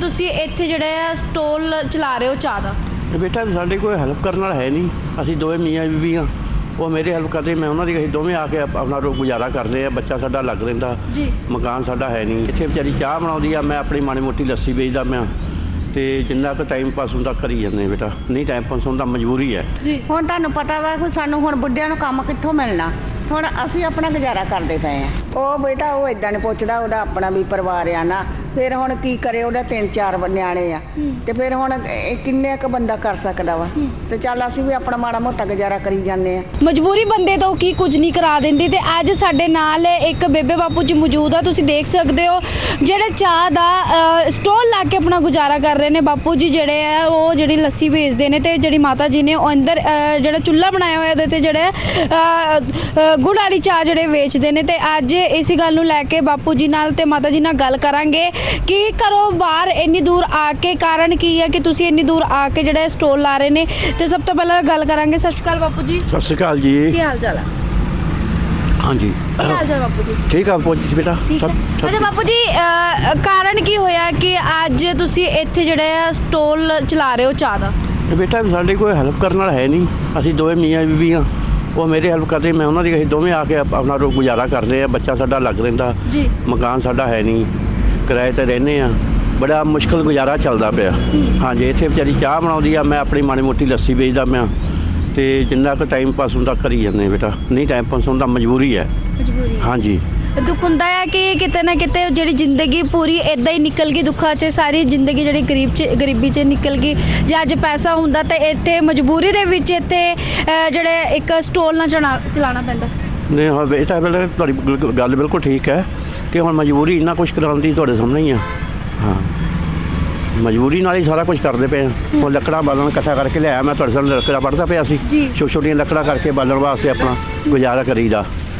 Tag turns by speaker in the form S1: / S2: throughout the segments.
S1: ਤੁਸੀਂ ਇੱਥੇ ਜਿਹੜਾ ਸਟੋਲ ਚਲਾ ਰਹੇ ਹੋ ਚਾਹ ਦਾ?
S2: बेटा साढ़े कोई हेल्प करने वाला है नहीं, असी दोवें मियाँ बीबी हाँ, वो मेरे हेल्प करते, मैं उन्होंने ਅਸੀਂ ਦੋਵੇਂ ਆ ਕੇ ਆਪਣਾ ਗੁਜ਼ਾਰਾ ਕਰਦੇ ਆ। ਬੱਚਾ ਸਾਡਾ ਲੱਗ ਰਹਿੰਦਾ
S1: ਜੀ,
S2: ਮਕਾਨ ਸਾਡਾ ਹੈ ਨਹੀਂ। ਇੱਥੇ ਵਿਚਾਰੀ ਚਾਹ ਬਣਾਉਂਦੀ ਆ, ਮੈਂ ਆਪਣੀ ਮਾੜੀ ਮੋਟੀ ਲੱਸੀ ਵੇਚਦਾ ਮੈਂ, ਤੇ ਜਿੰਨਾ ਕੁ ਟਾਈਮ ਪਾਸ ਹੁੰਦਾ ਕਰੀ ਜਾਂਦੇ ਬੇਟਾ। ਨਹੀਂ ਟਾਈਮ ਪਾਸ ਹੁੰਦਾ ਮਜਬੂਰੀ ਹੈ
S1: ਜੀ।
S3: ਹੁਣ ਤੁਹਾਨੂੰ ਪਤਾ ਵਾ ਕਿ ਸਾਨੂੰ ਹੁਣ ਬੁੱਢਿਆਂ ਨੂੰ ਕੰਮ ਕਿੱਥੋਂ ਮਿਲਣਾ। ਹੁਣ ਅਸੀਂ ਆਪਣਾ ਗੁਜ਼ਾਰਾ ਕਰਦੇ ਪਏ ਆ। ਉਹ ਬੇਟਾ ਉਹ ਇਦਾਂ ਨਹੀਂ ਪੁੱਛਦਾ, ਉਹਦਾ ਆਪਣਾ ਵੀ ਪਰਿਵਾਰ ਆ ਨਾ। ਫਿਰ ਹੁਣ ਕੀ ਕਰੇ, ਉਹਦਾ 3-4 ਨਿਆਣੇ ਆ, ਤੇ ਫਿਰ ਹੁਣ ਕਿੰਨੇ ਕੁ ਬੰਦਾ ਕਰ ਸਕਦਾ ਵਾ। ਤੇ ਚੱਲ ਅਸੀਂ ਵੀ ਆਪਣਾ ਮਾੜਾ ਮੋਟਾ ਗੁਜ਼ਾਰਾ ਕਰੀ ਜਾਂਦੇ ਆ।
S1: ਮਜਬੂਰੀ ਬੰਦੇ ਤੋਂ ਕੀ ਕੁਝ ਨਹੀਂ ਕਰਾ ਦਿੰਦੀ। ਤੇ ਅੱਜ ਸਾਡੇ ਨਾਲ ਇੱਕ ਬੇਬੇ ਬਾਪੂ ਜੀ ਮੌਜੂਦ ਆ, ਤੁਸੀਂ ਦੇਖ ਸਕਦੇ ਹੋ, ਜਿਹੜੇ ਚਾਹ ਦਾ ਸਟੋਲ ਲਾ ਕੇ ਆਪਣਾ ਗੁਜ਼ਾਰਾ ਕਰ ਰਹੇ ਨੇ। ਬਾਪੂ ਜੀ ਜਿਹੜੇ ਆ ਉਹ ਜਿਹੜੀ ਲੱਸੀ ਵੇਚਦੇ ਨੇ, ਤੇ ਜਿਹੜੀ ਮਾਤਾ ਜੀ ਨੇ ਉਹ ਅੰਦਰ ਜਿਹੜਾ ਚੁੱਲ੍ਹਾ ਬਣਾਇਆ ਹੋਇਆ ਉਹਦੇ ਤੇ ਜਿਹੜੇ ਗੁੜ ਵਾਲੀ ਚਾਹ ਜਿਹੜੇ ਵੇਚਦੇ ਨੇ। ਤੇ ਅੱਜ ਇਸੇ ਗੱਲ ਨੂੰ ਲੈ ਕੇ ਬਾਪੂ ਜੀ ਨਾਲ ਤੇ ਮਾਤਾ ਜੀ ਨਾਲ ਗੱਲ ਕਰਾਂਗੇ ਕਿ ਘਰੋਂ ਬਾਹਰ ਇੰਨੀ ਦੂਰ ਆ ਕੇ ਕਾਰਨ ਕੀ ਹੈ ਕਿ ਤੁਸੀਂ ਇੰਨੀ ਦੂਰ ਆ ਕੇ ਜਿਹੜਾ ਸਟੋਲ ਲਾ ਰਹੇ ਨੇ। ਤੇ ਸਭ ਤੋਂ ਪਹਿਲਾਂ ਗੱਲ ਕਰਾਂਗੇ। ਸਤਿ ਸ਼੍ਰੀ ਅਕਾਲ ਬਾਪੂ ਜੀ।
S2: ਸਤਿ ਸ਼੍ਰੀ ਅਕਾਲ ਜੀ।
S1: ਕੀ ਹਾਲ ਚਾਲ ਹੈ?
S2: ਹਾਂਜੀ
S1: ਕੀ ਹਾਲ ਚਾਲ ਬਾਪੂ ਜੀ?
S2: ਠੀਕ ਆ ਬੇਟਾ।
S1: ਠੀਕ ਹੈ। ਅੱਛਾ ਬਾਪੂ ਜੀ, ਕਾਰਨ ਕੀ ਹੋਇਆ ਕਿ ਅੱਜ ਤੁਸੀਂ ਇੱਥੇ ਜਿਹੜਾ ਸਟੋਲ ਚਲਾ ਰਹੇ ਹੋ ਚਾਹ ਦਾ?
S2: ਬੇਟਾ ਸਾਡੇ ਕੋਈ ਹੈਲਪ ਕਰਨ ਵਾਲਾ ਹੈ ਨਹੀਂ, ਅਸੀਂ ਦੋਵੇਂ ਮੀਆਂ ਬੀਬੀ ਹਾਂ, ਉਹ ਮੇਰੇ ਹੈਲਪ ਕਰਦੇ, ਮੈਂ ਉਹਨਾਂ ਦੀ ਅਸੀਂ ਦੋਵੇਂ ਆ ਕੇ ਆਪਣਾ ਗੁਜ਼ਾਰਾ ਕਰਦੇ ਆ। ਬੱਚਾ ਸਾਡਾ ਲੱਗ ਰਹਿੰਦਾ
S1: ਜੀ,
S2: ਮਕਾਨ ਸਾਡਾ ਹੈ ਨਹੀਂ, ਕਿਰਾਏ ਤੇ ਰਹਿੰਦੇ ਆ, ਬੜਾ ਮੁਸ਼ਕਲ ਗੁਜ਼ਾਰਾ ਚੱਲਦਾ ਪਿਆ। ਹਾਂਜੀ ਇੱਥੇ ਵਿਚਾਰੀ ਚਾਹ ਬਣਾਉਂਦੀ ਆ, ਮੈਂ ਆਪਣੀ ਮਾੜੀ ਮੋਟੀ ਲੱਸੀ ਵੇਚਦਾ ਮੈਂ, ਤੇ ਜਿੰਨਾ ਕੁ ਟਾਈਮ ਪਾਸ ਹੁੰਦਾ ਕਰੀ ਜਾਂਦੇ ਬੇਟਾ। ਨਹੀਂ ਟਾਈਮ ਪਾਸ ਹੁੰਦਾ ਮਜਬੂਰੀ ਹੈ।
S1: ਮਜਬੂਰੀ। ਹਾਂਜੀ, ਦੁੱਖ ਹੁੰਦਾ ਹੈ ਕਿ ਕਿਤੇ ਨਾ ਕਿਤੇ ਜਿਹੜੀ ਜ਼ਿੰਦਗੀ ਪੂਰੀ ਇੱਦਾਂ ਹੀ ਨਿਕਲ ਗਈ, ਦੁੱਖਾਂ 'ਚ ਸਾਰੀ ਜ਼ਿੰਦਗੀ ਜਿਹੜੀ ਗਰੀਬੀ 'ਚ ਨਿਕਲ ਗਈ। ਜੇ ਅੱਜ ਪੈਸਾ ਹੁੰਦਾ ਤਾਂ ਇੱਥੇ ਮਜਬੂਰੀ ਦੇ ਵਿੱਚ ਇੱਥੇ ਜਿਹੜੇ ਇੱਕ ਸਟੋਲ ਨਾ ਚਲਾਉਣਾ ਪੈਂਦਾ।
S2: ਨਹੀਂ ਹਾਂ ਬੇਟਾ, ਤੁਹਾਡੀ ਗੱਲ ਬਿਲਕੁਲ ਠੀਕ ਹੈ ਕਿ ਹੁਣ ਮਜਬੂਰੀ ਇੰਨਾ ਕੁਛ ਕਰਾਉਣ ਦੀ ਤੁਹਾਡੇ ਸਾਹਮਣੇ ਹੀ ਆ। ਹਾਂ, ਮਜਬੂਰੀ ਨਾਲ ਹੀ ਸਾਰਾ ਕੁਝ ਕਰਦੇ ਪਏ ਆ। ਹੁਣ ਲੱਕੜਾਂ ਬਾਲਣ ਇਕੱਠਾ ਕਰਕੇ ਲਿਆਇਆ ਮੈਂ, ਤੁਹਾਡੇ ਸਾਹਮਣੇ ਲੱਕੜਾਂ ਵੱਢਦਾ ਪਿਆ ਸੀ। ਛੋਟੀਆਂ ਲੱਕੜਾਂ ਕਰਕੇ ਬਾਲਣ ਵਾਸਤੇ ਆਪਣਾ ਗੁਜ਼ਾਰਾ ਕਰੀਦਾ।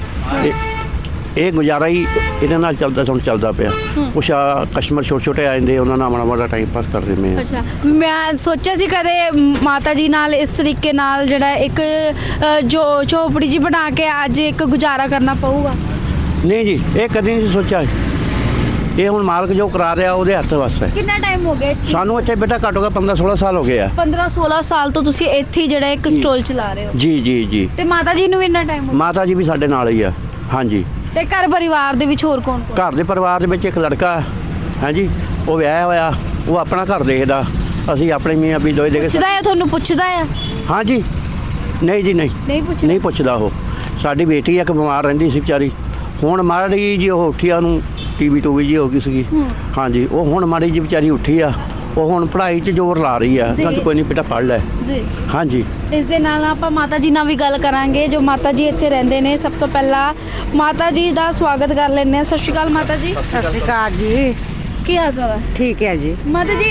S2: ਇਹ ਗੁਜ਼ਾਰਾ ਹੀ ਇਹਦੇ ਨਾਲ ਚੱਲਦਾ ਪਿਆ। ਕੁਛ ਕਸਟਮਰ ਛੋਟੇ ਆ ਜਾਂਦੇ, ਉਹਨਾਂ ਨਾਲ ਮਾੜਾ ਟਾਈਮ ਪਾਸ ਕਰਦੇ ਮੈਂ।
S1: ਅੱਛਾ, ਮੈਂ ਸੋਚਿਆ ਸੀ ਕਦੇ ਮਾਤਾ ਜੀ ਨਾਲ ਇਸ ਤਰੀਕੇ ਨਾਲ ਜਿਹੜਾ ਇੱਕ ਜੋ ਝੋਪੜੀ ਜੀ ਬਣਾ ਕੇ ਅੱਜ ਇੱਕ ਗੁਜ਼ਾਰਾ ਕਰਨਾ ਪਊਗਾ।
S2: ਨਹੀਂ ਜੀ, ਇਹ ਕਦੀ ਨਹੀਂ ਸੋਚਿਆ। ਇਹ ਹੁਣ ਮਾਲਕ ਜੋ ਕਰਾ ਰਿਹਾ ਉਹਦੇ ਹੱਥ ਵੱਸ ਹੈ।
S1: ਕਿੰਨਾ ਟਾਈਮ ਹੋ ਗਿਆ
S2: ਸਾਨੂੰ ਇੱਥੇ ਬੇਟਾ ਘੱਟੋ ਘੱਟ 15-16 ਸਾਲ ਹੋ ਗਏ ਆ।
S1: 15-16 ਸਾਲ ਤੋਂ ਤੁਸੀਂ ਇੱਥੇ ਹੀ ਜਿਹੜਾ ਇੱਕ ਸਟੋਲ ਚਲਾ ਰਹੇ ਹੋ?
S2: ਜੀ ਜੀ ਜੀ।
S1: ਤੇ ਮਾਤਾ ਜੀ ਨੂੰ ਵੀ ਇੰਨਾ ਟਾਈਮ ਹੋ ਗਿਆ?
S2: ਮਾਤਾ ਜੀ ਵੀ ਸਾਡੇ ਨਾਲ ਹੀ ਆ। ਹਾਂਜੀ।
S1: ਤੇ ਘਰ ਪਰਿਵਾਰ ਦੇ ਵਿੱਚ ਹੋਰ ਕੌਣ?
S2: ਘਰ ਦੇ ਪਰਿਵਾਰ ਦੇ ਵਿੱਚ ਇੱਕ ਲੜਕਾ ਹਾਂਜੀ, ਉਹ ਵਿਆਹਿਆ ਹੋਇਆ, ਉਹ ਆਪਣਾ ਘਰ ਦੇਖਦਾ, ਅਸੀਂ ਆਪਣੇ ਮੀਆਂ ਵੀ ਦੋਏ ਦੇ ਕੇ।
S1: ਪੁੱਛਦਾ ਹੈ ਤੁਹਾਨੂੰ? ਪੁੱਛਦਾ ਹੈ? ਹਾਂਜੀ।
S2: ਨਹੀਂ ਜੀ, ਨਹੀਂ ਪੁੱਛਦਾ। ਉਹ ਸਾਡੀ ਬੇਟੀ ਇੱਕ ਬਿਮਾਰ ਰਹਿੰਦੀ ਸੀ ਵਿਚਾਰੀ, ਹੁਣ ਮਾੜੀ ਜੀ ਉਹ ਉੱਠੀ ਆ, ਉਹਨੂੰ ਟੀਵੀ ਜੀ ਹੋ ਗਈ ਸੀਗੀ। ਹਾਂਜੀ, ਉਹ ਹੁਣ ਮਾੜੀ ਜੀ ਵਿਚਾਰੀ ਉੱਠੀ ਆ, ਉਹ ਹੁਣ ਪੜ੍ਹਾਈ 'ਚ ਜ਼ੋਰ ਲਾ ਰਹੀ ਆ। ਕਹਿੰਦੀ ਕੋਈ ਨਹੀਂ ਬੇਟਾ ਪੜ੍ਹ ਲੈ ਜੀ। ਹਾਂਜੀ,
S1: ਇਸ ਦੇ ਨਾਲ ਆਪਾਂ ਮਾਤਾ ਜੀ ਨਾਲ ਵੀ ਗੱਲ ਕਰਾਂਗੇ, ਜੋ ਮਾਤਾ ਜੀ ਇੱਥੇ ਰਹਿੰਦੇ ਨੇ। ਸਭ ਤੋਂ ਪਹਿਲਾਂ ਮਾਤਾ ਜੀ ਦਾ ਸਵਾਗਤ ਕਰ ਲੈਂਦੇ ਹਾਂ। ਸਤਿ ਸ਼੍ਰੀ ਅਕਾਲ ਮਾਤਾ ਜੀ।
S3: ਸਤਿ ਸ਼੍ਰੀ ਅਕਾਲ ਜੀ।
S1: ਕੀ ਹਾਲ ਚਾਲ ਹੈ?
S3: ਠੀਕ ਹੈ ਜੀ।
S1: ਮਾਤਾ ਜੀ,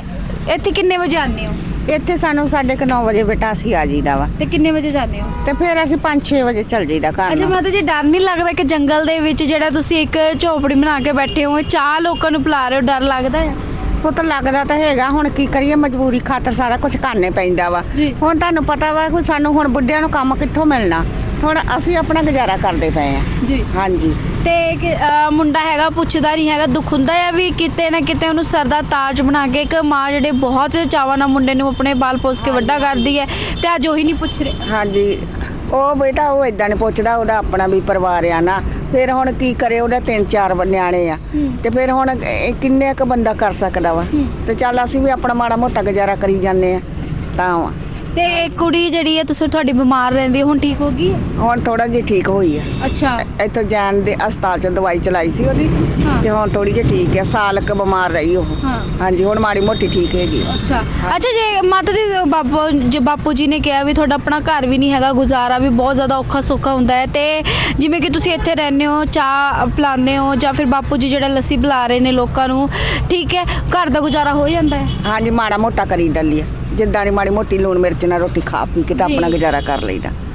S1: ਇੱਥੇ ਕਿੰਨੇ ਵਜੇ ਆਉਂਦੇ ਹੋ?
S3: ਇੱਥੇ ਸਾਨੂੰ 9:30 ਵਜੇ ਬੇਟਾ ਅਸੀਂ ਆ ਜੀਦਾ ਵਾ,
S1: ਤੇ ਕਿੰਨੇ ਵਜੇ ਜਾਂਦੇ ਹੋ?
S3: ਤੇ ਫਿਰ ਅਸੀਂ 5-6 ਵਜੇ ਚੱਲ ਜੀਦਾ ਘਰ
S1: ਅੱਛਾ
S3: ਨੂੰ।
S1: ਮਾਤਾ ਜੀ, ਡਰ ਨਹੀਂ ਲੱਗਦਾ ਕਿ ਜੰਗਲ ਦੇ ਵਿੱਚ ਜਿਹੜਾ ਤੁਸੀਂ ਇੱਕ ਝੋਪੜੀ ਬਣਾ ਕੇ ਬੈਠੇ ਹੋ, ਚਾਹ ਲੋਕਾਂ ਨੂੰ ਪਿਲਾ ਰਹੇ ਹੋ, ਡਰ ਲੱਗਦਾ ਹੈ?
S3: ਪੁੱਤ ਲੱਗਦਾ ਤਾਂ ਹੈਗਾ, ਹੁਣ ਕੀ ਕਰੀਏ, ਮਜਬੂਰੀ ਖਾਤਰ ਸਾਰਾ ਕੁਝ ਕਰਨੇ ਪੈਂਦਾ ਵਾ। ਹੁਣ ਤੁਹਾਨੂੰ ਪਤਾ ਵਾ ਕਿ ਸਾਨੂੰ ਹੁਣ ਬੁੱਢਿਆਂ ਨੂੰ ਕੰਮ ਕਿੱਥੋਂ ਮਿਲਣਾ। ਹੁਣ ਅਸੀਂ ਆਪਣਾ ਗੁਜ਼ਾਰਾ ਕਰਦੇ ਪਏ ਆ ਜੀ। ਹਾਂਜੀ।
S1: ਤੇ ਮੁੰਡਾ ਹੈਗਾ, ਪੁੱਛਦਾ ਨਹੀਂ ਹੈਗਾ, ਦੁੱਖ ਹੁੰਦਾ ਹੈ ਵੀ ਕਿਤੇ ਨਾ ਕਿਤੇ ਉਹਨੂੰ ਸਰ ਦਾ ਤਾਜ ਬਣਾ ਕੇ ਇੱਕ ਮਾਂ ਜਿਹੜੇ ਬਹੁਤ ਚਾਵਾਂ ਨਾਲ ਮੁੰਡੇ ਨੂੰ ਆਪਣੇ ਬਾਲ ਪੋਸ ਕੇ ਵੱਡਾ ਕਰਦੀ ਹੈ, ਤੇ ਅੱਜ ਉਹੀ ਨਹੀਂ ਪੁੱਛ ਰਹੇ।
S3: ਹਾਂਜੀ, ਉਹ ਬੇਟਾ ਉਹ ਇਦਾਂ ਨਹੀਂ ਪੁੱਛਦਾ, ਉਹਦਾ ਆਪਣਾ ਵੀ ਪਰਿਵਾਰ ਆ ਨਾ। ਫਿਰ ਹੁਣ ਕੀ ਕਰੇ, ਉਹਦਾ 3-4 ਨਿਆਣੇ ਆ, ਤੇ ਫਿਰ ਹੁਣ ਕਿੰਨੇ ਕੁ ਬੰਦਾ ਕਰ ਸਕਦਾ ਵਾ। ਤੇ ਚੱਲ ਅਸੀਂ ਵੀ ਆਪਣਾ ਮਾੜਾ ਮੋਟਾ ਗੁਜ਼ਾਰਾ ਕਰੀ ਜਾਂਦੇ ਆ ਤਾਂ ਵਾ।
S1: ਤੇ ਕੁੜੀ ਜਿਹੜੀ ਹੈ ਤੁਹਾਡੀ ਬਿਮਾਰ ਰਹਿੰਦੀ, ਹੁਣ ਠੀਕ ਹੋ ਗਈ?
S3: ਹੁਣ ਥੋੜਾ ਜਿਹਾ ਠੀਕ ਹੋਈ ਆ।
S1: ਅੱਛਾ।
S3: ਇੱਥੋਂ ਜਾਣ ਦੇ ਹਸਪਤਾਲ 'ਚ ਦਵਾਈ ਚਲਾਈ ਸੀ ਉਹਦੀ, ਤੇ ਹੁਣ ਥੋੜੀ ਜਿਹੀ ਠੀਕ ਹੈ। ਸਾਲ ਕੁ ਬਿਮਾਰ ਰਹੀ ਉਹ। ਹਾਂਜੀ, ਹੁਣ ਮਾੜੀ ਮੋਟੀ ਠੀਕ ਹੈਗੀ।
S1: ਅੱਛਾ। ਜੇ ਮਾਤਾ ਜੀ, ਬਾਪੂ ਜੀ ਨੇ ਕਿਹਾ ਵੀ ਤੁਹਾਡਾ ਆਪਣਾ ਘਰ ਵੀ ਨਹੀਂ ਹੈਗਾ, ਗੁਜ਼ਾਰਾ ਵੀ ਬਹੁਤ ਜ਼ਿਆਦਾ ਔਖਾ ਸੌਖਾ ਹੁੰਦਾ ਹੈ, ਤੇ ਜਿਵੇਂ ਕਿ ਤੁਸੀਂ ਇੱਥੇ ਰਹਿੰਦੇ ਹੋ, ਚਾਹ ਪਿਲਾਉਂਦੇ ਹੋ, ਜਾਂ ਫਿਰ ਬਾਪੂ ਜੀ ਜਿਹੜਾ ਲੱਸੀ ਪਿਲਾ ਰਹੇ ਨੇ ਲੋਕਾਂ ਨੂੰ, ਠੀਕ ਹੈ, ਘਰ ਦਾ ਗੁਜ਼ਾਰਾ ਹੋ ਜਾਂਦਾ ਹੈ?
S3: ਹਾਂਜੀ, ਮਾੜਾ ਮੋਟਾ ਕਰੀ ਡੱਲੀ ਆ, ਜਿੱਦਾਂ ਦੀ ਮਾੜੀ ਮੋਟੀ ਲੂਣ ਮਿਰਚ ਨਾਲ ਰੋਟੀ ਖਾ ਪੀ ਕੇ ਤਾਂ ਆਪਣਾ ਗੁਜ਼ਾਰਾ ਕਰ ਲਈਦਾ।